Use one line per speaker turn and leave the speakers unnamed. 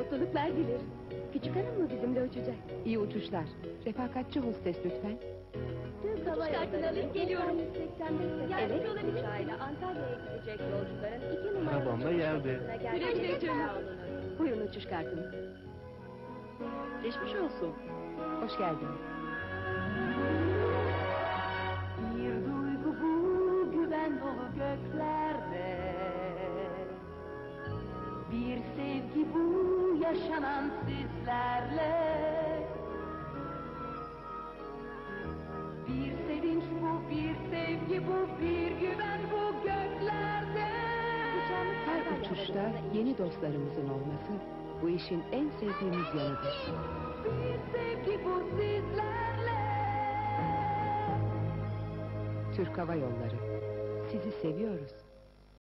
mutluluklar dilerim. Küçük hanım mı bizimle uçacak?
İyi uçuşlar. Refakatçi hostes lütfen.
Türk Hava Yolları alıp geliyorum. 85
Yardımcı olabilir uçağıyla Antalya'ya gidecek yolcuların 2 numaralı
Arabamla
uçuş
geldi.
noktasına
Güle güle
gelmekle
canım.
sağlanır.
Buyurun uçuş kartınız.
Geçmiş olsun. Hoş geldin.
Bir duygu bu güven dolu göklerde. Bir sevgi bu yaşanan sizlerle. Bir sevinç bu, bir sevgi bu, bir güven bu göklerde.
Her uçuşta yeni dostlarımızın olması bu işin en sevdiğimiz yanıdır.
Bir sevgi bu sizlerle.
Türk Hava Yolları. Sizi seviyoruz.